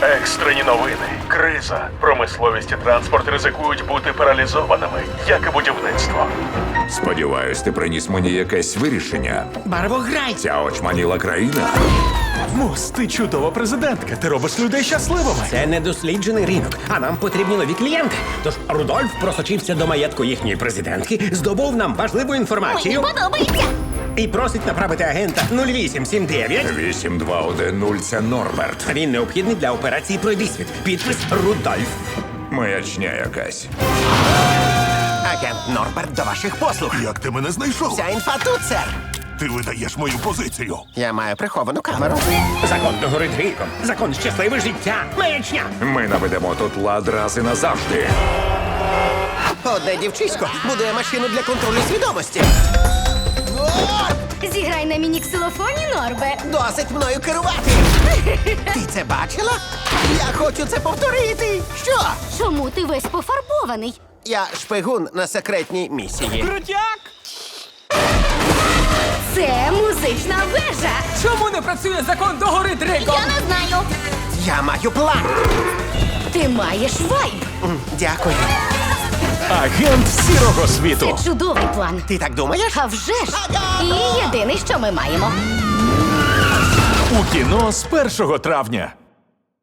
Екстрені новини. Криза. Промисловість і транспорт ризикують бути паралізованими, як і будівництво. Сподіваюсь, ти приніс мені якесь вирішення. Барвограй! Ця очманіла країна. Мус, ти чудова президентка. Ти робиш людей щасливими. Це недосліджений ринок, а нам потрібні нові клієнти. Тож Рудольф просочився до маєтку їхньої президентки, здобув нам важливу Мені інформацію подобається. і просить направити агента 0879. 8210 – це Норберт. Він необхідний для операції «Пройдисвіт». Підпис Рудольф. Маячня якась. Агент Норберт до ваших послуг. Як ти мене знайшов? Вся інфа тут, сер. Ти видаєш мою позицію. Я маю приховану камеру. Закон догорить гріхом. Закон щасливе життя. Маячня. Ми наведемо тут лад раз і назавжди. Одне дівчисько будує машину для контролю свідомості. Зіграй на міні-ксилофоні, Норбе. Досить мною керувати. Ти це бачила? Я хочу це повторити. Що? Чому ти весь пофарбований? Я шпигун на секретній місії. Це музична вежа. Чому не працює закон догори дригом? Я не знаю. Я маю план. Ти маєш вайб. Дякую. Агент сірого світу. Це чудовий план. Ти так думаєш? А вже ж. І єдине, що ми маємо. У кіно з 1 травня.